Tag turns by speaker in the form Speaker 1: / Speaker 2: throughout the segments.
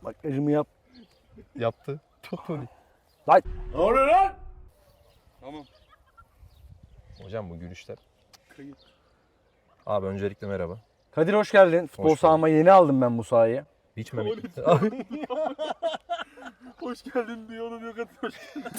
Speaker 1: Makyajımı yap.
Speaker 2: Yaptı. Çok Tony.
Speaker 1: Lan.
Speaker 3: Ne oluyor lan? Tamam.
Speaker 2: Hocam bu gülüşler. Abi öncelikle merhaba.
Speaker 1: Kadir hoş geldin. Futbol
Speaker 2: bulduk.
Speaker 1: sahama yeni aldım ben bu sahayı.
Speaker 2: Hiç Mehmet.
Speaker 3: Hoş geldin diyor onu diyor kadın hoş geldin.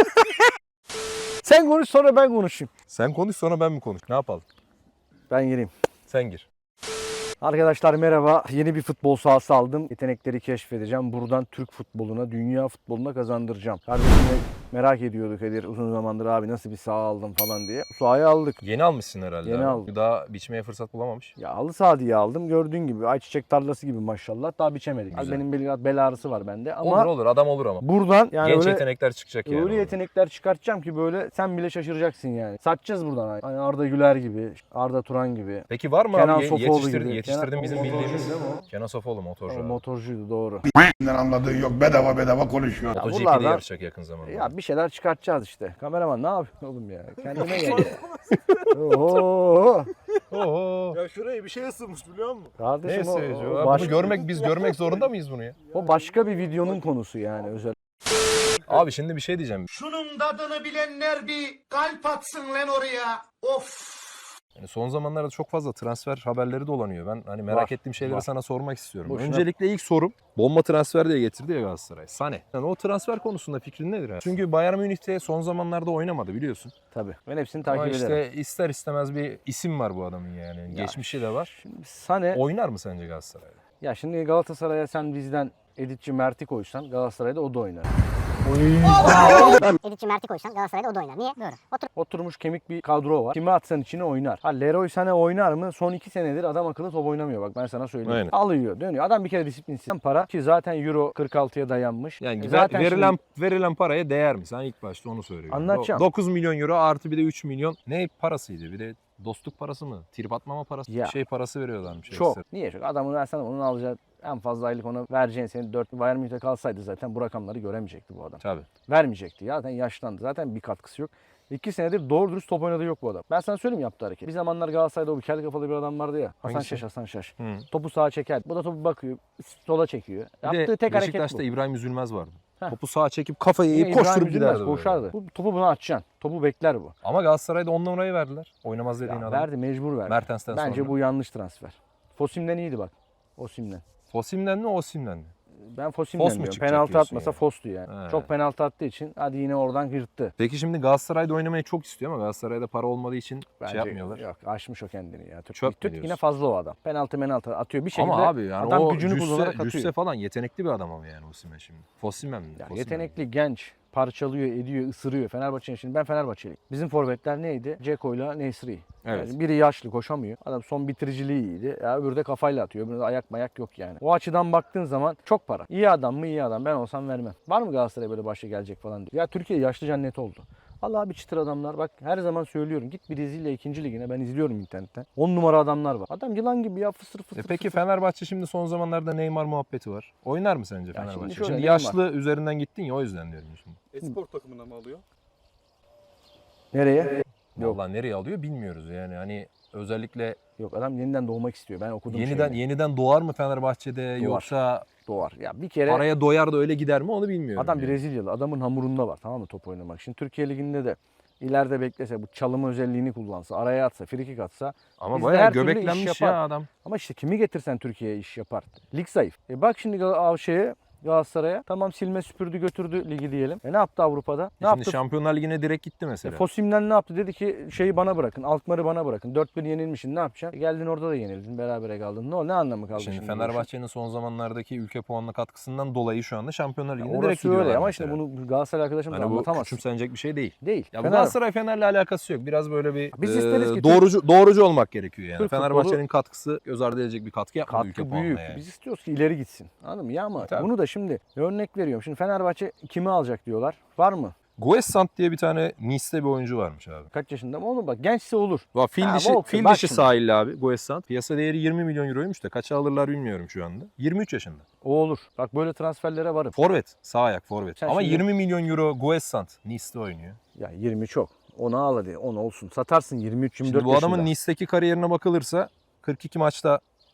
Speaker 1: Sen konuş sonra ben konuşayım.
Speaker 2: Sen konuş sonra ben mi konuş? Ne yapalım?
Speaker 1: Ben gireyim.
Speaker 2: Sen gir.
Speaker 1: Arkadaşlar merhaba. Yeni bir futbol sahası aldım. Yetenekleri keşfedeceğim. Buradan Türk futboluna, dünya futboluna kazandıracağım. Kardeşimle merak ediyorduk Kadir uzun zamandır abi nasıl bir saha aldım falan diye. Bu sahayı aldık.
Speaker 2: Yeni almışsın herhalde.
Speaker 1: Yeni
Speaker 2: abi.
Speaker 1: aldım.
Speaker 2: Daha biçmeye fırsat bulamamış.
Speaker 1: Ya halı saha diye aldım. Gördüğün gibi ayçiçek tarlası gibi maşallah. Daha biçemedik.
Speaker 2: Güzel.
Speaker 1: Benim bel ağrısı var bende ama
Speaker 2: Olur adam olur ama.
Speaker 1: buradan yani
Speaker 2: Genç
Speaker 1: öyle
Speaker 2: yetenekler çıkacak yani.
Speaker 1: öyle yetenekler çıkartacağım ki böyle sen bile şaşıracaksın yani. Satacağız buradan. Hani Arda Güler gibi, Arda Turan gibi.
Speaker 2: Peki var mı
Speaker 1: Kenan
Speaker 2: abi?
Speaker 1: Sofoğlu gibi.
Speaker 2: Yetiştirdin bizim
Speaker 1: Motorcu
Speaker 2: bildiğimiz.
Speaker 1: değil mi o?
Speaker 2: Kenan Sofoğlu motorcu.
Speaker 1: O
Speaker 2: abi.
Speaker 1: motorcuydu doğru.
Speaker 4: Anladığı yok, bedava konuşuyor.
Speaker 1: Ya
Speaker 2: MotoGP'de
Speaker 1: buralardan-
Speaker 2: yarışacak yakın zamanda.
Speaker 1: Ya bir şeyler çıkartacağız işte. Kameraman ne yapıyorsun oğlum ya? Kendine gel ya. Oho.
Speaker 2: Oho.
Speaker 3: Ya şuraya bir şey ısınmış biliyor musun?
Speaker 1: Kardeşim
Speaker 2: Neyse
Speaker 1: o,
Speaker 2: Joe,
Speaker 1: baş-
Speaker 2: biz görmek zorunda mıyız bunu ya?
Speaker 1: o başka bir videonun konusu yani özel.
Speaker 2: Abi şimdi bir şey diyeceğim.
Speaker 5: Şunun tadını bilenler bir kalp atsın lan oraya. Of.
Speaker 2: Yani son zamanlarda çok fazla transfer haberleri dolanıyor. Ben hani merak
Speaker 1: Var,
Speaker 2: ettiğim şeyleri
Speaker 1: var.
Speaker 2: sana sormak istiyorum.
Speaker 1: Boşuna-
Speaker 2: Öncelikle ilk sorum bomba transfer diye getirdi ya Galatasaray. Sane. Yani o transfer konusunda fikrin nedir? Yani? Çünkü Bayern Münih'te son zamanlarda oynamadı biliyorsun.
Speaker 1: Tabii. Ben hepsini
Speaker 2: Ama
Speaker 1: takip
Speaker 2: işte
Speaker 1: ederim.
Speaker 2: ister istemez bir isim var bu adamın yani. Geçmişi de var.
Speaker 1: Şimdi Sane
Speaker 2: Oynar mı sence Galatasaray'da?
Speaker 1: ya şimdi Galatasaray'a sen bizden Editçi Mert'i koysan Galatasaray'da o da oynar.
Speaker 6: Editçi Mert'i koysan Galatasaray'da o da oynar. Niye? Doğru.
Speaker 1: Oturmuş kemik bir kadro var. Kimi atsan içine oynar. Ha Leroy Sané oynar mı? Son 2 senedir adam akıllı top oynamıyor bak ben sana söyleyeyim.
Speaker 2: Aynen.
Speaker 1: Alıyor dönüyor. Adam bir kere disiplinsiz. Para ki zaten Euro 46'ya dayanmış.
Speaker 2: Yani
Speaker 1: Zaten
Speaker 2: verilen paraya değer mi? Sen ilk başta onu söylüyorsun.
Speaker 1: Anlatacağım.
Speaker 2: 9 milyon euro artı bir de 3 milyon. Ne parasıydı? Bir de dostluk parası mı? Trip atmama parası.
Speaker 1: Ya.
Speaker 2: Bir şey parası veriyorlarmış.
Speaker 1: Çok.
Speaker 2: ekstra.
Speaker 1: Niye çok? Adamı versen onun alacağı en fazla aylık ona vereceğin senin 4 Bayern Münih'te kalsaydı zaten bu rakamları göremeyecekti bu adam.
Speaker 2: Tabii.
Speaker 1: Vermeyecekti ya. Zaten yaşlandı. Zaten bir katkısı yok. 2 senedir doğru dürüst top oynadığı yok bu adam. Ben sana söyleyeyim yaptığı hareket. Bir zamanlar Galatasaray'da o bir kel kafalı bir adam vardı ya.
Speaker 2: Hangisi?
Speaker 1: Hasan Şaş.
Speaker 2: Hı.
Speaker 1: Topu sağa çeker. Bu da topu bakıyor. Sola çekiyor.
Speaker 2: Bir
Speaker 1: Yaptığı
Speaker 2: de
Speaker 1: tek hareket bu.
Speaker 2: Beşiktaş'ta İbrahim Üzülmez vardı.
Speaker 1: Heh.
Speaker 2: Topu sağa çekip kafayı
Speaker 1: Yine
Speaker 2: eğip
Speaker 1: İbrahim
Speaker 2: koşturup
Speaker 1: Üzülmez,
Speaker 2: giderdi. böyle.
Speaker 1: koşardı. Bu topu buna atacaksın. Topu bekler bu.
Speaker 2: Ama Galatasaray'da 10 numarayı verdiler. Oynamaz dediğin
Speaker 1: Ya
Speaker 2: adam.
Speaker 1: verdi mecbur verdi.
Speaker 2: Mertens'ten
Speaker 1: Bence
Speaker 2: sonra.
Speaker 1: bu yanlış transfer. Fosim'den iyiydi bak. Osim'den.
Speaker 2: Fosim'den mi Osim'den mi?
Speaker 1: Ben Fosim'den
Speaker 2: Fos mu
Speaker 1: diyorum.
Speaker 2: çıkacak
Speaker 1: Penaltı
Speaker 2: diyorsun
Speaker 1: atmasa
Speaker 2: yani?
Speaker 1: Fos'tu yani.
Speaker 2: He.
Speaker 1: Çok penaltı attığı için hadi yine oradan yırttı.
Speaker 2: Peki şimdi Galatasaray'da oynamayı çok istiyor ama Galatasaray'da para olmadığı için
Speaker 1: Bence
Speaker 2: şey yapmıyorlar.
Speaker 1: Yok aşmış o kendini ya.
Speaker 2: Çöp mü
Speaker 1: Türk yine
Speaker 2: diyorsun?
Speaker 1: fazla o adam. Penaltı atıyor bir şekilde.
Speaker 2: Ama abi yani
Speaker 1: adam
Speaker 2: o
Speaker 1: gücünü kullanarak atıyor.
Speaker 2: Cüsse falan yetenekli bir adam ama yani Osimhen şimdi. Fosimhen mi?
Speaker 1: Ya
Speaker 2: Fosimhen mi?
Speaker 1: yetenekli, genç, parçalıyor, ediyor, ısırıyor. Fenerbahçe'nin şimdi ben Fenerbahçeliyim. Bizim forvetler neydi? Ceko'yla Nesri.
Speaker 2: Evet.
Speaker 1: Yani biri yaşlı koşamıyor. Adam son bitiriciliği iyiydi. Ya öbürü de kafayla atıyor. Öbüründe ayak mayak yok yani. O açıdan baktığın zaman çok para. İyi adam mı? İyi adam. Ben olsam vermem. Var mı Galatasaray böyle başa gelecek falan diye. Ya Türkiye yaşlı cennet oldu. Allah abi çıtır adamlar. Bak her zaman söylüyorum. Git Brezilya 2. ligine. Ben izliyorum internetten. 10 numara adamlar var. Adam yılan gibi ya fısır fısır.
Speaker 2: Peki
Speaker 1: fısır.
Speaker 2: Fenerbahçe şimdi son zamanlarda Neymar muhabbeti var. Oynar mı sence
Speaker 1: şimdi
Speaker 2: Fenerbahçe?
Speaker 1: şöyle
Speaker 2: Şimdi
Speaker 1: Neymar.
Speaker 2: yaşlı üzerinden gittin ya o yüzden diyorum şimdi.
Speaker 3: Espor takımına mı alıyor?
Speaker 1: Nereye? Yok.
Speaker 2: Vallahi nereye alıyor bilmiyoruz yani. Hani özellikle
Speaker 1: Yok adam yeniden doğmak istiyor. Ben okudum
Speaker 2: yeniden doğar mı Fenerbahçe'de yoksa
Speaker 1: doğar. Ya bir kere
Speaker 2: paraya doyar da öyle gider mi onu bilmiyorum.
Speaker 1: adam
Speaker 2: yani.
Speaker 1: Brezilyalı. Adamın hamurunda var tamam mı top oynamak. Şimdi Türkiye Ligi'nde de ileride beklese bu çalım özelliğini kullansa, araya atsa, frikik atsa.
Speaker 2: Ama
Speaker 1: bizde
Speaker 2: bayağı
Speaker 1: her türlü iş
Speaker 2: göbeklenmiş
Speaker 1: yapar.
Speaker 2: ya adam.
Speaker 1: Ama işte kimi getirsen Türkiye'ye iş yapar. Lig zayıf. Bak şimdi Galatasaray'a tamam silme süpürdü götürdü ligi diyelim. Ne yaptı Avrupa'da? Ne
Speaker 2: Şimdi
Speaker 1: yaptı?
Speaker 2: Şampiyonlar Ligi'ne direkt gitti mesela.
Speaker 1: Fosim'den ne yaptı? Dedi ki şeyi bana bırakın. Alkmaar'ı bana bırakın. 4-1 yenilmişsin. Ne yapacaksın? Geldin orada da yenildin. Berabere kaldın. Ne anlamı kaldı
Speaker 2: Şimdi
Speaker 1: şimdi?
Speaker 2: Fenerbahçe'nin son zamanlardaki ülke puanına katkısından dolayı şu anda Şampiyonlar Ligi'ne direkt
Speaker 1: Orası
Speaker 2: gidiyorlar
Speaker 1: öyle ama
Speaker 2: mesela.
Speaker 1: şimdi bunu Galatasaray arkadaşımız
Speaker 2: Hani bu
Speaker 1: anlatamaz.
Speaker 2: küçümsenecek bir şey değil.
Speaker 1: Değil.
Speaker 2: Ya bu Galatasaray Fener'le alakası yok. Biraz böyle bir
Speaker 1: Biz isteriz ki
Speaker 2: doğrucu olmak gerekiyor yani.
Speaker 1: Türk
Speaker 2: Fenerbahçe'nin katkısı göz ardı edilecek bir katkı yapmadı ülke
Speaker 1: katkı
Speaker 2: puanına
Speaker 1: büyük.
Speaker 2: yani.
Speaker 1: Biz istiyoruz ki ileri gitsin. Anladın mı? Ya ama
Speaker 2: Tabii.
Speaker 1: bunu da şimdi örnek veriyorum. Şimdi Fenerbahçe kimi alacak diyorlar. Var mı?
Speaker 2: Guessant diye bir tane Nice'te bir oyuncu varmış abi.
Speaker 1: Kaç yaşında mı? Onu bak gençse olur.
Speaker 2: Fil
Speaker 1: Ha,
Speaker 2: dişi,
Speaker 1: Volker,
Speaker 2: fil
Speaker 1: bak
Speaker 2: dişi
Speaker 1: şimdi.
Speaker 2: sahilli abi Guessant. Piyasa değeri 20 milyon euroymuş da kaça alırlar bilmiyorum şu anda. 23 yaşında.
Speaker 1: O olur. Bak böyle transferlere varım.
Speaker 2: Forvet. Sağ ayak forvet.
Speaker 1: Sen
Speaker 2: Ama
Speaker 1: şimdi-
Speaker 2: 20 milyon euro Guessant Nice'te oynuyor.
Speaker 1: Ya 20 çok. Onu al hadi. 10 olsun. Satarsın 23-24
Speaker 2: Şimdi bu adamın
Speaker 1: yaşında.
Speaker 2: Nice'teki kariyerine bakılırsa 42 maçta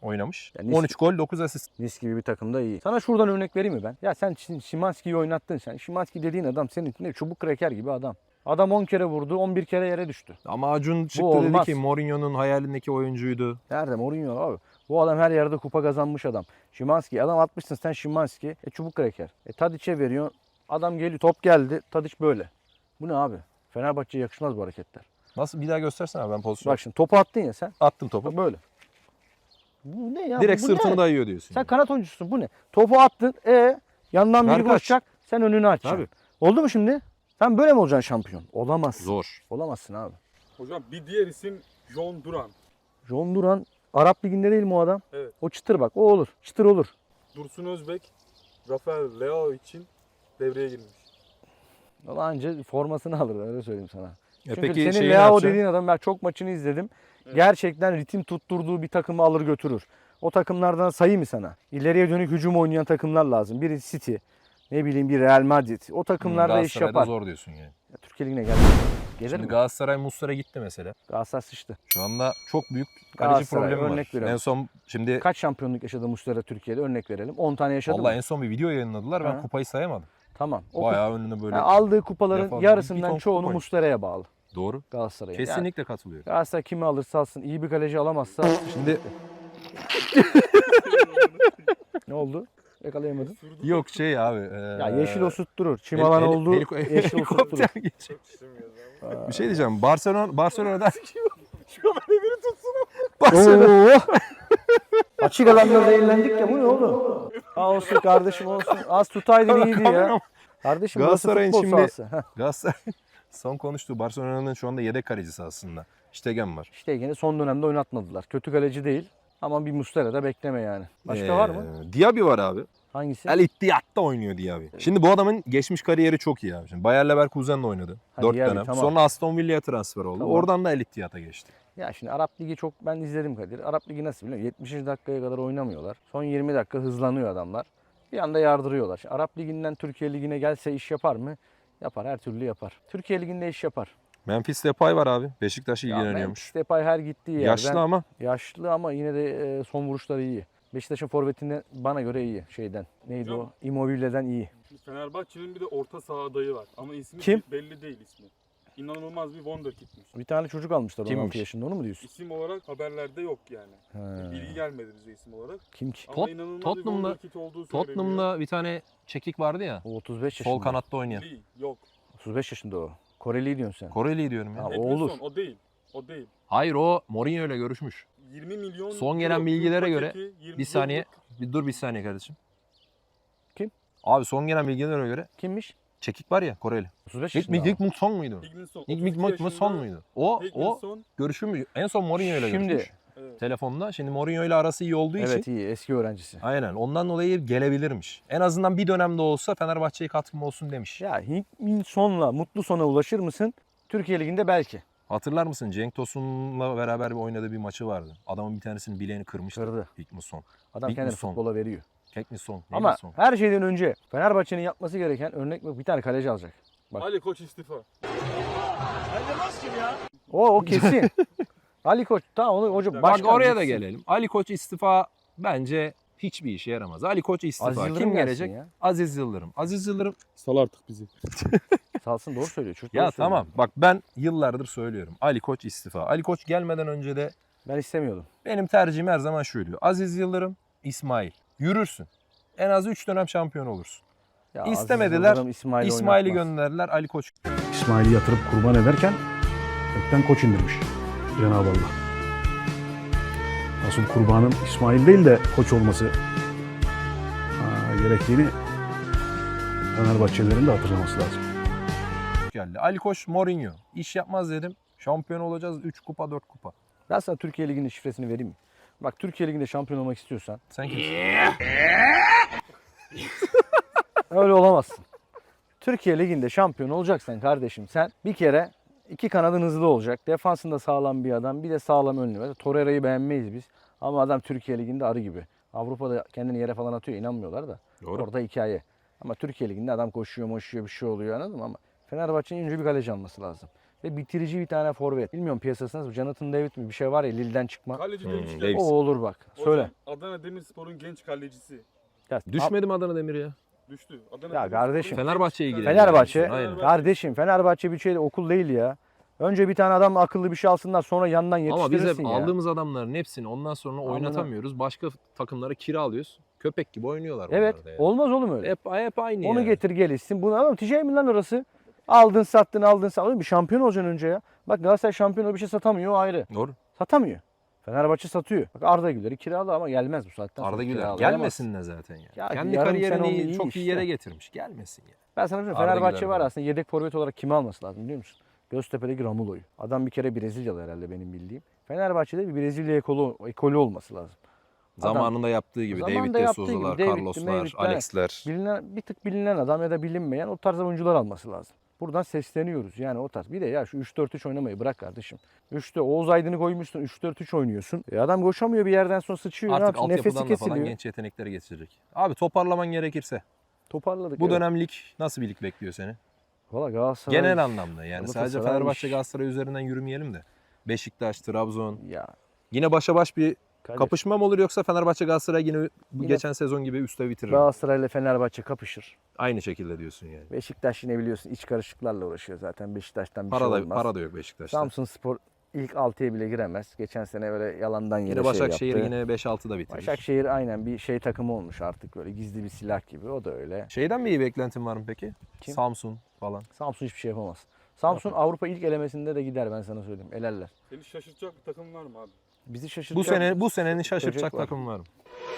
Speaker 2: oynamış.
Speaker 1: Yani
Speaker 2: 13 gol 9 asist.
Speaker 1: Nice gibi bir takımda iyi. Sana şuradan örnek vereyim mi ben? Ya sen Szymański'yi oynattın sen. Szymański dediğin adam senin ne çubuk kreker gibi adam. Adam 10 kere vurdu, 11 kere yere düştü.
Speaker 2: Ama Acun çıktı dedi
Speaker 1: olmaz.
Speaker 2: ki Mourinho'nun hayalindeki oyuncuydu.
Speaker 1: Nerede Mourinho abi? Bu adam her yerde kupa kazanmış adam. Szymański adam atmışsın sen Szymański. Çubuk kreker. Tadic'e veriyor. Adam geliyor top geldi. Tadic böyle. Bu ne abi? Fenerbahçe'ye yakışmaz bu hareketler.
Speaker 2: Nasıl bir daha göstersene abi ben pozisyon.
Speaker 1: Bak şimdi topu attın ya sen.
Speaker 2: Attım topu.
Speaker 1: Böyle. Bu ne ya?
Speaker 2: Direkt
Speaker 1: bu
Speaker 2: sırtını
Speaker 1: ne?
Speaker 2: dayıyor diyorsun.
Speaker 1: Sen kanat oyuncusun bu ne? Topu attın. Yandan biri
Speaker 2: Ver kaç.
Speaker 1: koşacak. Sen önünü açacaksın.
Speaker 2: Tabii.
Speaker 1: Oldu mu şimdi? Sen böyle mi olacaksın şampiyon? Olamazsın.
Speaker 2: Zor.
Speaker 1: Olamazsın abi.
Speaker 3: Hocam bir diğer isim John Duran.
Speaker 1: John Duran Arap Ligi'nde değil mi o adam?
Speaker 3: Evet.
Speaker 1: O çıtır bak. O olur. Çıtır olur.
Speaker 3: Dursun Özbek, Rafael Leao için devreye girmiş.
Speaker 1: Valla anca formasını alır öyle söyleyeyim sana. Çünkü
Speaker 2: Peki
Speaker 1: senin
Speaker 2: şeyi ne
Speaker 1: Leao
Speaker 2: yapacaksın?
Speaker 1: dediğin adam ben çok maçını izledim.
Speaker 3: Evet.
Speaker 1: Gerçekten ritim tutturduğu bir takımı alır götürür. O takımlardan sayayım mı sana? İleriye dönük hücum oynayan takımlar lazım. Biri City, ne bileyim bir Real Madrid. O takımlarda iş
Speaker 2: Galatasaray'da
Speaker 1: yapar.
Speaker 2: zor diyorsun yani.
Speaker 1: Ya, Türkiye Ligi'ne geldi. Gelir
Speaker 2: Şimdi
Speaker 1: mi?
Speaker 2: Galatasaray Muslera gitti mesela.
Speaker 1: Galatasaray sıçtı.
Speaker 2: Şu anda çok büyük kaleci
Speaker 1: Galatasaray,
Speaker 2: problemi var.
Speaker 1: örnek veriyorum.
Speaker 2: En son şimdi
Speaker 1: Kaç şampiyonluk yaşadı Muslera Türkiye'de? Örnek verelim. 10 tane yaşadı
Speaker 2: vallahi
Speaker 1: mı?
Speaker 2: en son bir video yayınladılar. Ben
Speaker 1: Ha.
Speaker 2: kupayı sayamadım.
Speaker 1: Tamam. O
Speaker 2: Bayağı önüne böyle.
Speaker 1: yani aldığı kupaların
Speaker 2: Defa- bir
Speaker 1: yarısından
Speaker 2: ton
Speaker 1: çoğunu
Speaker 2: kupa oynadı.
Speaker 1: Muslera'ya bağlı
Speaker 2: Doğru.
Speaker 1: Galatasaray'ın. Yani
Speaker 2: Kesinlikle katılıyorum.
Speaker 1: Galatasaray kimi alırsa alsın iyi bir kaleci alamazsa
Speaker 2: Şimdi
Speaker 1: ne oldu? Yakalayamadın.
Speaker 2: yok şey abi.
Speaker 1: Ya yeşil osutturur. Çimalan oldu. Yeşil osutturur.
Speaker 2: helikopter geçiyor. Bir şey diyeceğim. Barcelona'dan
Speaker 3: Şu kamerayı biri tutsun.
Speaker 2: Barcelona.
Speaker 1: Oo! Açık alanda zehirlendik ya bu ne oğlum? Olsun kardeşim olsun. Az tutaydın iyiydi ya. Kardeşim burası
Speaker 2: Galatasaray'ın
Speaker 1: futbol
Speaker 2: şimdi-
Speaker 1: sahası. Heh.
Speaker 2: Galatasaray son konuştuğu Barcelona'nın şu anda yedek kalecisi aslında. Stegen var.
Speaker 1: İşte yine son dönemde oynatmadılar. Kötü kaleci değil ama bir Muslera da bekleme yani. Başka var mı?
Speaker 2: Diaby var abi.
Speaker 1: Hangisi?
Speaker 2: El İttihad'da oynuyor Diaby. Şimdi bu adamın geçmiş kariyeri çok iyi abi. Şimdi Bayer Leverkusen'de oynadı.
Speaker 1: Ha,
Speaker 2: 4
Speaker 1: Diaby,
Speaker 2: dönem.
Speaker 1: tamam.
Speaker 2: Sonra Aston Villa'ya transfer oldu.
Speaker 1: Tamam.
Speaker 2: Oradan da El İttihad'a geçti.
Speaker 1: Ya şimdi Arap Ligi çok ben izledim Kadir. Arap Ligi nasıl biliyor musun? 70. dakikaya kadar oynamıyorlar. Son 20 dakika hızlanıyor adamlar. Bir anda yardırıyorlar. Şimdi Arap Ligi'nden Türkiye Ligi'ne gelse iş yapar mı? Yapar, her türlü yapar. Türkiye Ligi'nde iş yapar.
Speaker 2: Memphis Depay var abi. Beşiktaş
Speaker 1: Ya
Speaker 2: ilgileniyormuş.
Speaker 1: Memphis Depay her gittiği yerden.
Speaker 2: Yaşlı ama
Speaker 1: Yaşlı ama yine de son vuruşları iyi. Beşiktaş'ın forvetinden bana göre iyi şeyden. Neydi
Speaker 3: Hocam.
Speaker 1: o? Immobile'den iyi.
Speaker 3: Şimdi Fenerbahçe'nin bir de orta saha adayı var. Ama ismi
Speaker 1: Kim?
Speaker 3: belli değil ismi. İnanılmaz bir wonderkid'miş.
Speaker 1: Bir tane çocuk almışlar 16
Speaker 2: Kimmiş?
Speaker 1: yaşında onu mu diyorsun?
Speaker 3: İsim olarak haberlerde yok yani.
Speaker 1: Ha.
Speaker 3: Bilgi gelmedi bize isim olarak.
Speaker 1: Kim ki?
Speaker 3: Ama inanılmaz bir wonderkid olduğu söyleniyor.
Speaker 2: Tottenham'da bir tane çekik vardı ya.
Speaker 1: O 35 yaşında.
Speaker 2: Sol kanatta oynayan.
Speaker 3: Lee, yok.
Speaker 1: 35 yaşında o. Koreli diyorsun sen.
Speaker 2: Koreli diyorum ya.
Speaker 1: Ha, o
Speaker 3: Edmilson,
Speaker 1: olur.
Speaker 3: O değil. O değil.
Speaker 2: Hayır o Mourinho ile görüşmüş.
Speaker 3: 20 milyon
Speaker 2: Son gelen
Speaker 3: euro
Speaker 2: bilgilere
Speaker 3: yıl
Speaker 2: göre
Speaker 3: paketi, 20
Speaker 2: Bir saniye.
Speaker 3: yıllık.
Speaker 2: Bir dur bir saniye kardeşim.
Speaker 1: Kim?
Speaker 2: Abi son gelen bilgilere göre
Speaker 1: Kimmiş?
Speaker 2: çekik var ya Koreli.
Speaker 1: 35 yaşında. ama.
Speaker 2: Hikmet Son muydu?
Speaker 3: Higginson,
Speaker 2: Hikmet Son muydu? O
Speaker 3: Higginson,
Speaker 2: görüşümü en son Mourinho ile
Speaker 1: Şimdi-
Speaker 2: görüşmüş.
Speaker 3: evet.
Speaker 2: Telefonda. Şimdi Mourinho ile arası iyi olduğu
Speaker 1: Evet
Speaker 2: için
Speaker 1: iyi eski öğrencisi.
Speaker 2: aynen ondan dolayı gelebilirmiş. En azından bir dönemde olsa Fenerbahçe'ye katkım olsun demiş.
Speaker 1: Ya Hikmin Son'la mutlu sona ulaşır mısın? Türkiye Ligi'nde belki.
Speaker 2: Hatırlar mısın? Cenk Tosun'la beraber bir oynadığı bir maçı vardı. Adamın bir tanesinin bileğini kırmıştı.
Speaker 1: Kırdı.
Speaker 2: Hikmet Son.
Speaker 1: Adam
Speaker 2: Hikmet
Speaker 1: kendini
Speaker 2: Son.
Speaker 1: futbola veriyor.
Speaker 2: Hikmet Son.
Speaker 1: Ama
Speaker 2: Hikmet Son.
Speaker 1: her şeyden önce Fenerbahçe'nin yapması gereken örnek bir tane kaleci alacak. Bak.
Speaker 3: Ali Koç istifa.
Speaker 1: O kesin. Ali Koç tamam onu hocam
Speaker 3: Bak,
Speaker 2: Bak
Speaker 1: başkan
Speaker 2: oraya da
Speaker 1: gitsin.
Speaker 2: gelelim. Ali Koç istifa bence hiçbir işe yaramaz. Ali Koç istifa.
Speaker 1: Aziz Yıldırım
Speaker 2: Kim
Speaker 1: gelsin
Speaker 2: gelecek?
Speaker 1: ya.
Speaker 2: Aziz Yıldırım. Aziz Yıldırım.
Speaker 3: Sal artık bizi.
Speaker 1: Salsın doğru söylüyor. Çocuk
Speaker 2: Ya
Speaker 1: doğru söylüyor.
Speaker 2: tamam. Bak ben yıllardır söylüyorum. Ali Koç istifa. Ali Koç gelmeden önce de
Speaker 1: Ben istemiyordum.
Speaker 2: benim tercihim her zaman şuydu. Aziz Yıldırım, İsmail. Yürürsün. En az 3 dönem şampiyon olursun.
Speaker 1: Ya
Speaker 2: İstemediler.
Speaker 1: Aziz Yıldırım
Speaker 2: İsmail'i
Speaker 1: oynatmaz.
Speaker 2: gönderdiler. Ali Koç
Speaker 7: İsmail'i yatırıp kurban ederken gökten koç indirmiş Cenab-ı Allah. Asıl kurbanın İsmail değil de koç olması gerektiğini Fenerbahçelilerin de hatırlaması lazım.
Speaker 2: geldi. Ali Koç, Mourinho. İş yapmaz dedim. Şampiyon olacağız. 3 kupa, 4 kupa.
Speaker 1: Ben sana Türkiye Ligi'nin şifresini vereyim mi? Bak Türkiye Ligi'nde şampiyon olmak istiyorsan
Speaker 2: Sen kimsin?
Speaker 1: öyle olamazsın. Türkiye Ligi'nde şampiyon olacaksan kardeşim sen bir kere iki kanadın hızlı olacak. Defansında sağlam bir adam bir de sağlam önlü. Mesela Torreira'yı beğenmeyiz biz. Ama adam Türkiye Ligi'nde arı gibi. Avrupa'da kendini yere falan atıyor inanmıyorlar da.
Speaker 2: Doğru.
Speaker 1: Orada hikaye. Ama Türkiye Ligi'nde adam koşuyor moşuyor bir şey oluyor anladın mı? Ama Fenerbahçe'nin önce bir kaleci alması lazım. Ve bitirici bir tane forvet. Bilmiyorum piyasasında nasıl. Jonathan David mi bir şey var ya Lille'den çıkma.
Speaker 3: Kaleci
Speaker 2: Hmm,
Speaker 3: demişken.
Speaker 2: Davis.
Speaker 1: O olur bak. Söyle.
Speaker 3: Hocam, Adana Demirspor'un genç kalecisi
Speaker 1: Ya,
Speaker 2: Düşmedi mi Adana Demir ya?
Speaker 3: düştü. Adana
Speaker 1: Ya
Speaker 3: Demirspor'un
Speaker 1: kardeşim.
Speaker 3: genç
Speaker 2: Fenerbahçe'ye
Speaker 3: kalecisi.
Speaker 2: girelim.
Speaker 1: Fenerbahçe,
Speaker 2: Aynen.
Speaker 1: kardeşim Fenerbahçe bir şey okul değil ya. Önce bir tane adam akıllı bir şey alsınlar sonra yandan
Speaker 2: Ama biz
Speaker 1: yetiştirirsin
Speaker 2: hep
Speaker 1: ya.
Speaker 2: aldığımız adamların hepsini ondan sonra
Speaker 1: Amına.
Speaker 2: oynatamıyoruz. Başka takımlara kiralıyoruz. Köpek gibi oynuyorlar
Speaker 1: Evet,
Speaker 2: bunlar da ya.
Speaker 1: olmaz oğlum öyle.
Speaker 2: Hep aynı
Speaker 1: Onu
Speaker 2: ya.
Speaker 1: getir gelişsin. Bunu ama TC mi lan orası? Aldın sattın. Bir şampiyon olacaksın önce ya. Bak Galatasaray şampiyonu bir şey satamıyor o ayrı.
Speaker 2: Doğru.
Speaker 1: Satamıyor. Fenerbahçe satıyor. Bak Arda Güler'i kiralı ama gelmez bu saatten sonra.
Speaker 2: Arda Güler
Speaker 1: kiralayamaz.
Speaker 2: gelmesin ne zaten ya.
Speaker 1: Ya
Speaker 2: Kendi
Speaker 1: yarım
Speaker 2: kariyerini
Speaker 1: sene
Speaker 2: iyi,
Speaker 1: oldu,
Speaker 2: çok
Speaker 1: iyi
Speaker 2: iyi
Speaker 1: işte.
Speaker 2: yere getirmiş. Gelmesin ya.
Speaker 1: Ben sana söyleyeyim
Speaker 2: Arda
Speaker 1: Fenerbahçe
Speaker 2: Güler
Speaker 1: var
Speaker 2: falan.
Speaker 1: aslında yedek forvet olarak kimi alması lazım biliyor musun? Göztepe'deki Ramulo'yu. Adam bir kere Brezilyalı herhalde benim bildiğim. Fenerbahçe'de bir Brezilya ekolü olması lazım. Adam-
Speaker 2: Zamanında yaptığı gibi
Speaker 1: Zamanında
Speaker 2: David de
Speaker 1: yaptığı gibi
Speaker 2: Souza'lar,
Speaker 1: David'ti,
Speaker 2: Carlos'lar,
Speaker 1: David'ler.
Speaker 2: Alex'ler.
Speaker 1: Bir tık bilinen adam ya da bilinmeyen o tarz oyuncular alması lazım. Buradan sesleniyoruz yani o tarz. Bir de ya şu 3-4-3 oynamayı bırak kardeşim. 3'te Oğuz Aydın'ı koymuşsun 3-4-3 oynuyorsun. Adam koşamıyor bir yerden sonra sıçıyor. Ne
Speaker 2: Artık
Speaker 1: yapsın? Nefesi
Speaker 2: altyapıdan da falan
Speaker 1: kesiliyor.
Speaker 2: genç yetenekleri getirecek. Abi toparlaman gerekirse.
Speaker 1: Toparladık.
Speaker 2: Bu
Speaker 1: evet.
Speaker 2: dönem lig nasıl bir lig bekliyor seni?
Speaker 1: Valla Galatasaray.
Speaker 2: Genel anlamda yani sadece
Speaker 1: Galatasaray
Speaker 2: Fenerbahçe
Speaker 1: iş.
Speaker 2: Galatasaray üzerinden yürümeyelim de. Beşiktaş, Trabzon.
Speaker 1: Ya
Speaker 2: Yine başa baş bir
Speaker 1: Kadir,
Speaker 2: kapışma mı olur yoksa Fenerbahçe Galatasaray yine
Speaker 1: Yine-
Speaker 2: geçen sezon gibi üste bitirir mi?
Speaker 1: Galatasaray ile Fenerbahçe kapışır.
Speaker 2: Aynı şekilde diyorsun yani.
Speaker 1: Beşiktaş yine biliyorsun iç karışıklarla uğraşıyor zaten. Beşiktaş'tan bir
Speaker 2: Para
Speaker 1: şey
Speaker 2: da,
Speaker 1: olmaz.
Speaker 2: para da yok Beşiktaş'ta.
Speaker 1: Samsunspor ilk 6'ya bile giremez. Geçen sene böyle yalandan yere
Speaker 2: Yine
Speaker 1: şey
Speaker 2: Başakşehir
Speaker 1: yaptı.
Speaker 2: yine 5-6'da bitirir.
Speaker 1: Başakşehir aynen bir şey takımı olmuş artık böyle gizli bir silah gibi. O da öyle.
Speaker 2: Şeyden bir iyi beklentin var mı peki?
Speaker 1: Kim?
Speaker 2: Samsun falan.
Speaker 1: Samsun hiçbir şey yapamaz. Samsun Avrupa ilk elemesinde de gider ben sana söyleyeyim. Elerler.
Speaker 3: Seni şaşırtacak bir takım var mı abi?
Speaker 1: Bizi şaşırtacak.
Speaker 2: Bu senenin şaşırtacak
Speaker 1: Böcek var.
Speaker 2: takımı var mı?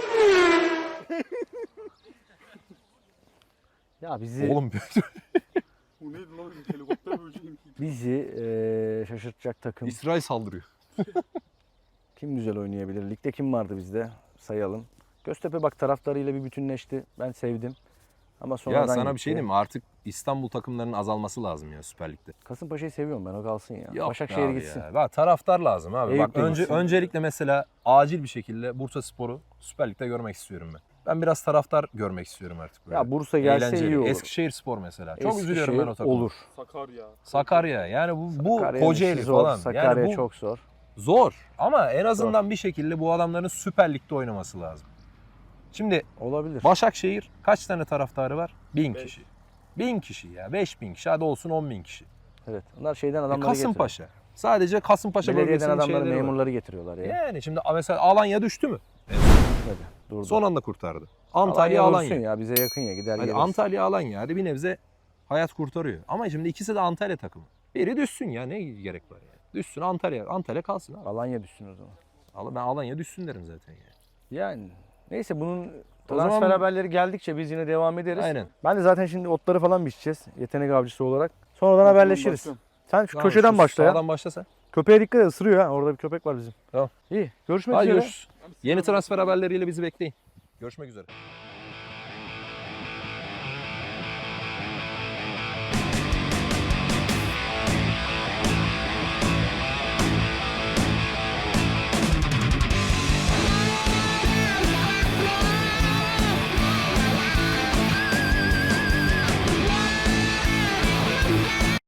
Speaker 1: Ya bizi
Speaker 2: Oğlum
Speaker 3: Bu neydi lan? Helikopter böceği mi?
Speaker 1: şaşırtacak takım.
Speaker 2: İsrail saldırıyor.
Speaker 1: Kim güzel oynayabilir? Ligde kim vardı bizde? Sayalım. Göztepe bak taraftarıyla bir bütünleşti. Ben sevdim. Ama sonradan
Speaker 2: Ya sana bir
Speaker 1: gitti.
Speaker 2: şey diyeyim mi? Artık İstanbul takımlarının azalması lazım ya Süper Lig'de.
Speaker 1: Kasımpaşa'yı seviyorum ben o kalsın ya.
Speaker 2: Yok
Speaker 1: Başakşehir
Speaker 2: abi
Speaker 1: gitsin.
Speaker 2: ya. Bak taraftar lazım abi.
Speaker 1: Eyüp
Speaker 2: Bak
Speaker 1: de gitsin.
Speaker 2: öncelikle mesela acil bir şekilde Bursaspor'u Süper Lig'de görmek istiyorum ben. Ben biraz taraftar görmek istiyorum artık böyle.
Speaker 1: Ya Bursa gelse
Speaker 2: Eğlenceli.
Speaker 1: iyi olur.
Speaker 2: Eskişehirspor mesela. Çok üzülüyorum ben
Speaker 1: Eskişehir
Speaker 2: o takıma.
Speaker 1: olur.
Speaker 3: Sakarya.
Speaker 2: Sakarya. Yani bu
Speaker 1: Sakarya'nın
Speaker 2: Kocaeli
Speaker 1: işi zor.
Speaker 2: falan.
Speaker 1: Sakarya
Speaker 2: Yani bu
Speaker 1: çok zor.
Speaker 2: zor. Ama en azından bir şekilde bu adamların Süper Lig'de oynaması lazım. Şimdi
Speaker 1: Olabilir.
Speaker 2: Başakşehir kaç tane taraftarı var? 1000
Speaker 3: Beş.
Speaker 2: kişi. 1000 kişi ya. 5000 kişi. Hadi olsun 10.000 kişi.
Speaker 1: Evet. Onlar şeyden adamları getiriyor.
Speaker 2: Kasımpaşa. Sadece Kasımpaşa
Speaker 1: Belediyeden
Speaker 2: bölgesinin
Speaker 1: adamları,
Speaker 2: şeyleri var.
Speaker 1: memurları getiriyorlar ya.
Speaker 2: Yani şimdi mesela Alanya düştü mü?
Speaker 1: Gitmedi. Durdu.
Speaker 2: Son anda kurtardı. Antalya
Speaker 1: dursun
Speaker 2: Alanya.
Speaker 1: ya bize yakın ya gider
Speaker 2: Hadi
Speaker 1: geliriz.
Speaker 2: Antalya Alanya. Hadi bir nebze hayat kurtarıyor. Ama şimdi ikisi de Antalya takımı. Biri düşsün ya ne gerek var ya. Düşsün Antalya kalsın abi.
Speaker 1: Alanya düşsün o zaman.
Speaker 2: Ben Alanya düşsün derim zaten ya.
Speaker 1: Yani neyse bunun
Speaker 2: O
Speaker 1: transfer
Speaker 2: zaman-
Speaker 1: haberleri geldikçe biz yine devam ederiz.
Speaker 2: Aynen.
Speaker 1: Ben de zaten şimdi otları falan biçeceğiz yetenek avcısı olarak. Sonradan haberleşiriz.
Speaker 3: Başlıyorum.
Speaker 1: Sen şu
Speaker 2: Tamam,
Speaker 1: köşeden
Speaker 2: şu
Speaker 1: başla ya.
Speaker 2: Sağdan başla sen.
Speaker 1: Köpeğe dikkat et ısırıyor ha. Orada bir köpek var bizim.
Speaker 2: Tamam.
Speaker 1: İyi. Görüşmek
Speaker 2: Hadi
Speaker 1: üzere.
Speaker 2: görüşürüz. Yeni transfer haberleriyle bizi bekleyin. Görüşmek üzere.